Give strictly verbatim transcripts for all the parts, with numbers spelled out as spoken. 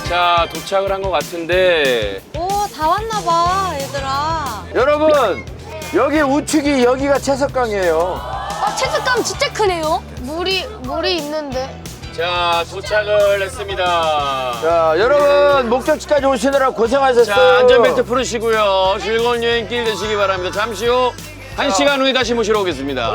자, 도착을 한 것 같은데. 오, 다 왔나 봐, 얘들아. 여러분, 여기 우측이 여기가 채석강이에요. 어, 채석감 진짜 크네요. 물이 물이 있는데. 자, 도착을 했습니다. 자, 여러분 목적지까지 오시느라 고생하셨어요. 자, 안전벨트 풀으시고요. 즐거운 여행길 되시기 바랍니다. 잠시 후 한 시간 후에 다시 모시러 오겠습니다.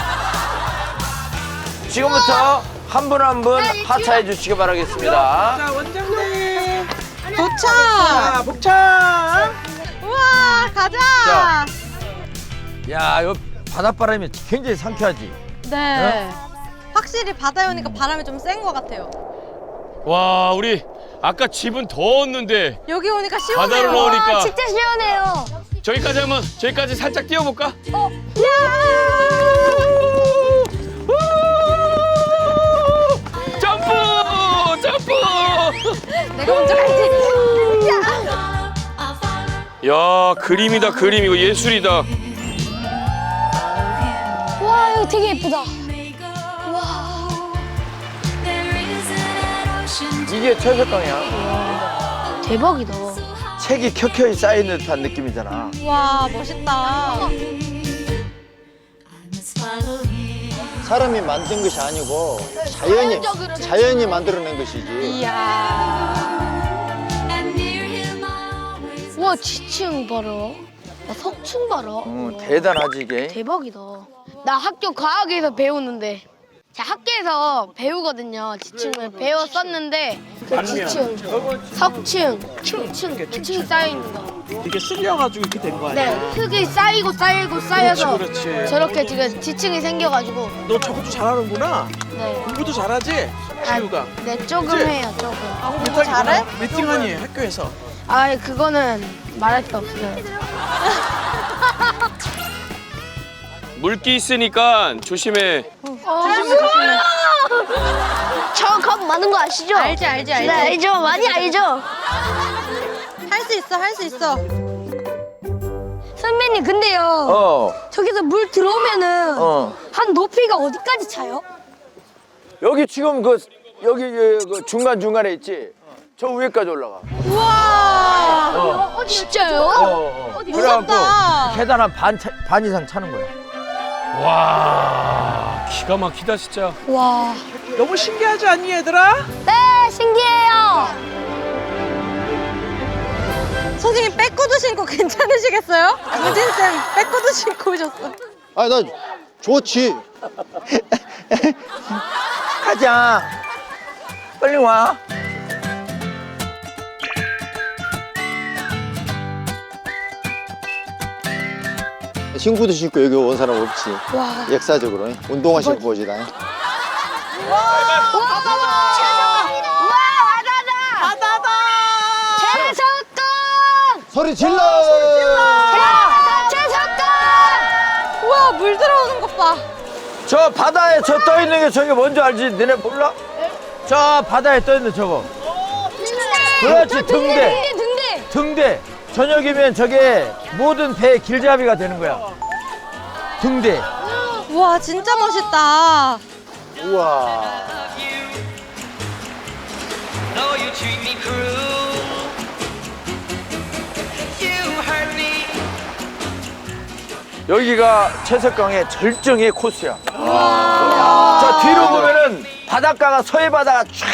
지금부터 한 분 한 분 하차해 주시기 바라겠습니다. 자, 원장님. 도착! 자, 복창. 우와, 가자! 자. 야, 이 바닷바람이 굉장히 상쾌하지? 네. 확실히 바다에 오니까 바람이 좀 센 것 같아요. 와, 우리 아까 집은 더웠는데 여기 오니까 시원해요. 바다로 나오니까. 진짜 시원해요. 저기까지 한번 저기까지 살짝 뛰어볼까? 어, 점프! 점프! 내가 먼저 갈게. 야, 그림이다 그림. 이거 예술이다. 와, 이거 되게 예쁘다. 이게 채석강이야. 대박이다. 책이 켜켜이 쌓인 듯한 느낌이잖아. 와, 멋있다. 사람이 만든 것이 아니고 자연이 자연이 만들어낸 것이지. 이야. 와, 지층 봐라. 나 석층 봐라. 음, 대단하지 이게. 대박이다. 나 학교 과학에서 배우는데. 자, 학교에서 배우거든요. 지층을 배웠었는데 그 지층, 석층, 중층, 이층 쌓여 있는 거. 이게 쓸려가지고 이렇게 된 거 아니야? 네, 흙이 쌓이고 쌓이고 쌓여서 그렇지, 그렇지. 저렇게 지금 지층이 생겨가지고. 너 저것도 잘하는구나. 네. 공부도 잘하지? 지우가. 네, 조금 그치? 해요, 조금. 공부 잘해? 몇 등하니 학교에서? 아, 그거는 말할 게 없어요. 물기 있으니까 조심해. 저 겁 많은 거 아시죠? 알지, 알지, 알지. 네, 알죠. 많이 알죠. 할 수 있어, 할 수 있어. 선배님, 근데요. 어, 저기서 물 들어오면은 어. 한 높이가 어디까지 차요? 여기 지금 그 여기 그 중간 중간에 있지. 저 위에까지 올라가. 우와. 어. 진짜요? 어, 어. 무섭다. 계단 한 반, 차, 반 이상 차는 거야. 와, 기가 막히다 진짜. 와. 너무 신기하지 않니 얘들아? 네, 신기해요. 선생님, 백구두 신고 괜찮으시겠어요? 우진쌤, 백구두 신고 오셨어. 아, 나 좋지. 가자. 빨리 와. 친구도 신고 여기 온 사람 없지. 와. 역사적으로 운동화 신고 오지다. 와, 바다다. 바다다. 채석강. 소리 질러! 야, 채석강. 우와, 물 들어오는 것 봐. 저 바다에 저 떠 있는 게 저게 뭔지 알지? 너네 몰라? 저 바다에 떠 있는 저거. 그렇지, 등대. 등대, 등대. 등대. 저녁이면 저게 모든 배의 길잡이가 되는 거야. 등대. 우와, 진짜 멋있다. 우와. 여기가 채석강의 절정의 코스야. 저 뒤로 보면은 바닷가가 서해 바다가 쫙.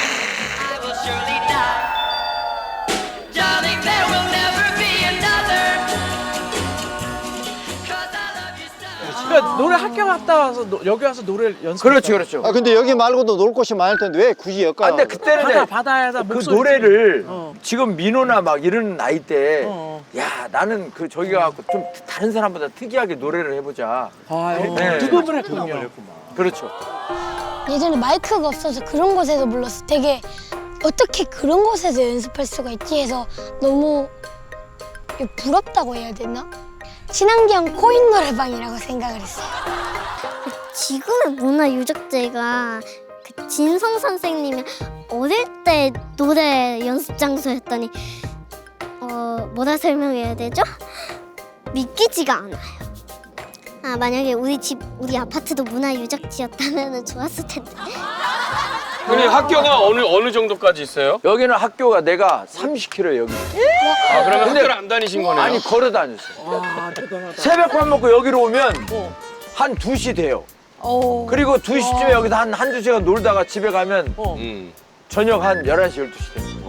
그러니까 노래 학교 갔다 와서 노, 여기 와서 노래를 연습. 그렇죠, 그렇죠. 아, 근데 여기 말고도 놀 곳이 많을 텐데 왜 굳이 여기까지? 아, 근데 그때는 바다 이제 바다에다 그 목소리 노래를 어. 지금 민호나 막 이런 나이 때, 어. 야, 나는 그 저기 가고 좀 다른 사람보다 특이하게 노래를 해보자. 아유, 네. 두번 했군요. 그렇죠. 예전에 마이크가 없어서 그런 곳에서 불렀어. 되게 어떻게 그런 곳에서 연습할 수가 있지 해서 너무 부럽다고 해야 되나? 친환경 코인 노래방이라고 생각을 했어요. 지금의 문화유적지가 그 진성 선생님이 어릴 때 노래 연습 장소였더니 어 뭐라 설명해야 되죠? 믿기지가 않아요. 아 만약에 우리 집 우리 아파트도 문화유적지였다면 좋았을 텐데. 형님 학교가 어느 어느 정도까지 있어요? 여기는 학교가 내가 삼십 킬로미터 여기. 아 그러면 근데- 학교를 안 다니신 거네요? 아니 걸어 다녔어요. 아 대단하다. 새벽 밥 먹고 여기로 오면 한 두 시 돼요. 오. 그리고 두 시쯤에 여기서 한 한두 시간 놀다가 집에 가면 음. 저녁 한 열한 시, 열두 시 돼요.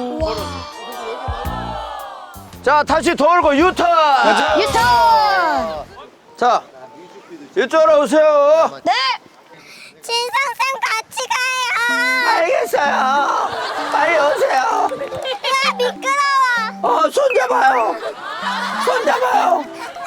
자, 다시 돌고 유턴! 유턴! 자, 이쪽으로 오세요. 네! 진성쌤 같이 가요. 알겠어요. 빨리 오세요. 야 미끄러워. 어, 손 잡아요. 손 잡아요.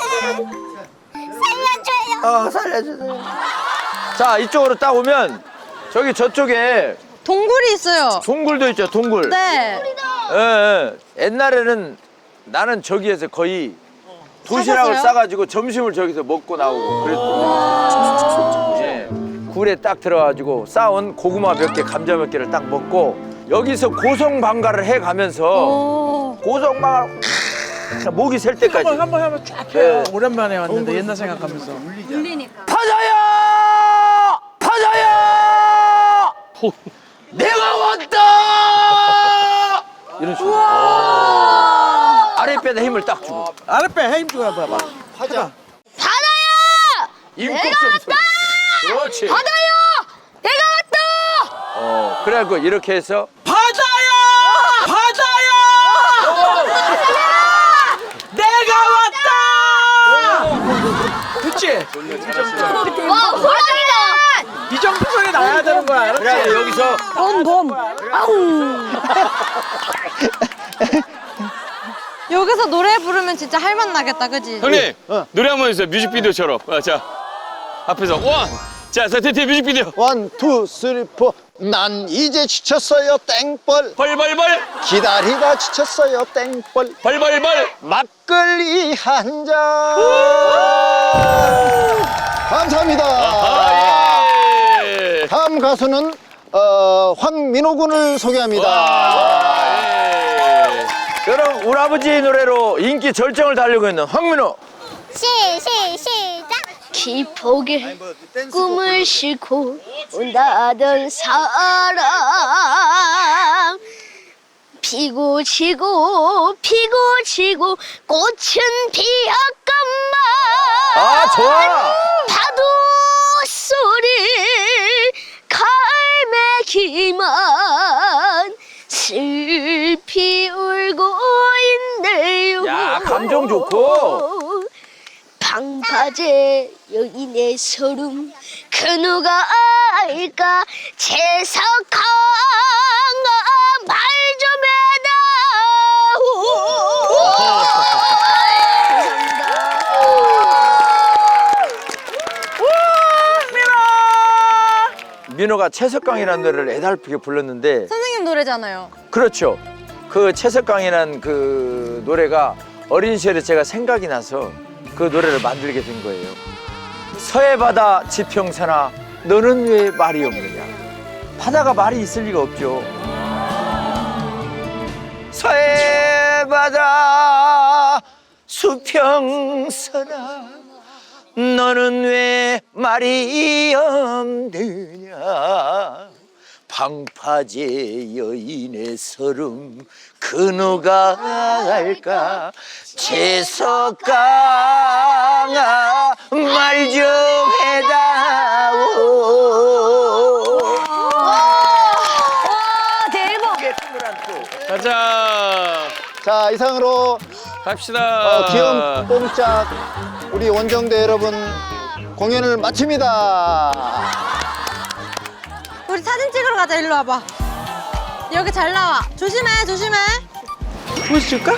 살려줘요. 어, 살려주세요. 자, 이쪽으로 딱 오면 저기 저쪽에 동굴이 있어요. 동굴도 있죠, 동굴. 네. 예, 예. 옛날에는 나는 저기에서 거의 도시락을 사셨어요? 싸가지고 점심을 저기서 먹고 나오고 그랬더니 예, 굴에 딱 들어가지고 싸온 고구마 몇 개, 감자 몇 개를 딱 먹고 여기서 고성방가를 해가면서 오. 고성방가를 목이 셀 때까지 한번 한번 한번 쫙 해요. 네. 오랜만에 왔는데 옛날 생각하면서. 파자야! 파자야! 내가 왔다! 이런 식으로 아랫배에 힘을 딱 주고 아랫배 힘 주고 봐봐. 하자. 임꺽 좀 소리. 그렇지. 바다요! 내가 왔다! 어, 그래갖고 이렇게 해서 바다야! 바다야! 내가 왔다! 그치? 와, 호랑이다! 이 정도 소리 나야 되는 거야. 알았지? 그래 여기서 범, 범. 아우. 여기서 노래 부르면 진짜 할맛 나겠다, 그지? 형님 노래 한번 해주세요. 뮤직비디오처럼. 아, 자 앞에서 원. 자 세트티 뮤직비디오. 원, 투, 쓰리, 포. 난 이제 지쳤어요. 땡벌. 벌벌벌 기다리다 지쳤어요. 땡벌. 벌벌벌. 막걸리 한 잔. 감사합니다. 아 예. 다음 가수는 어, 황민호 군을 소개합니다. 아, 예. 그럼 우리 아버지 노래로 인기 절정을 달리고 있는 황민호. 시, 시, 시작. 기폭에 꿈을 싣고 온다던 사람 피고 지고 피고 지고 꽃은 피었건만 아 좋아. 파도 소리 갈매기만 슬피 울고 있네요. 야, 감정 좋고. 방파제 여인의 소름 그 누가 알까 재석항아 말 좀 해다오. 민호가 채석강이라는 노래를 애달프게 불렀는데 선생님 노래잖아요. 그렇죠. 그 채석강이라는 그 노래가 어린 시절에 제가 생각이 나서 그 노래를 만들게 된 거예요. 서해 바다 지평선아 너는 왜 말이 없느냐. 바다가 말이 있을 리가 없죠. 서해 바다 수평선아 너는 왜 말이 없느냐. 방파제 여인의 서름 그 누가 알까. 채석강아 말 좀 해다오. 가자. 자, 이상으로 갑시다. 어, 귀여운 뽕짝 우리 원정대 여러분 공연을 마칩니다. 우리 사진 찍으러 가자, 일로 와봐. 여기 잘 나와. 조심해, 조심해. 보여줄까?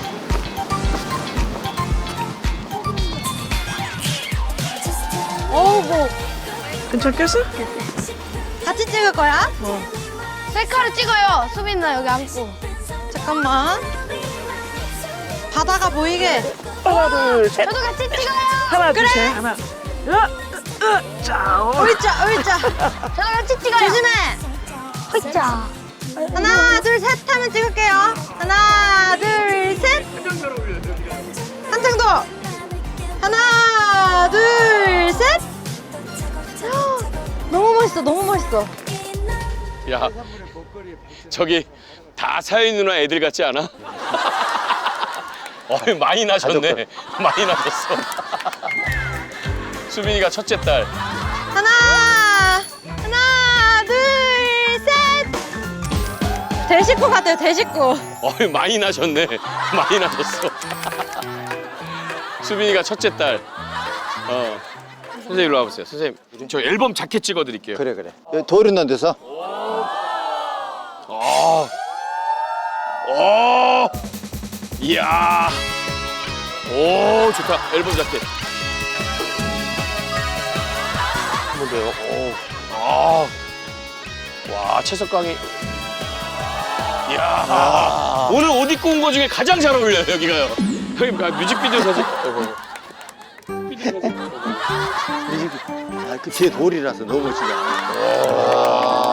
어우, 뭐. 괜찮겠어? 같이 찍을 거야? 셀카를 찍어요. 수빈 나 여기 앉고. 잠깐만. 바다가 보이게. 하나 둘 셋. 저도 같이 찍어요. 하나 그래. 둘 셋. 하나. 으, 으, 으, 자. 어. 의자, 의자. 저도 같이 찍어요. 조심해. 자. 하나, 둘, 셋 하면 찍을게요. 하나, 둘, 셋. 한장 더. 하나, 둘, 셋. 너무 멋있어, 너무 멋있어. 야, 저기 다 사연 누나 애들 같지 않아? 어, 많이 나셨네. 많이 나셨어. 수빈이가 첫째 딸. 하나, 하나, 둘, 셋. 대식구 같아요, 대식구. 어, 많이 나셨네. 많이 나셨어. 수빈이가 첫째 딸. 어. 선생님 일로 와보세요. 선생님, 저 앨범 자켓 찍어드릴게요. 그래 그래. 여기 돌 있는 데서. 어. 오. 이야. 오, 좋다. 앨범 자켓. 한 번 더요. 오. 아. 와, 채석강이. 이야. 오늘 옷 입고 온 거 중에 가장 잘 어울려요, 여기가요. 형님, 아, 뮤직비디오 사진. 어이구, 어이구. 아, 그 뒤에 돌이라서 너무 멋지다.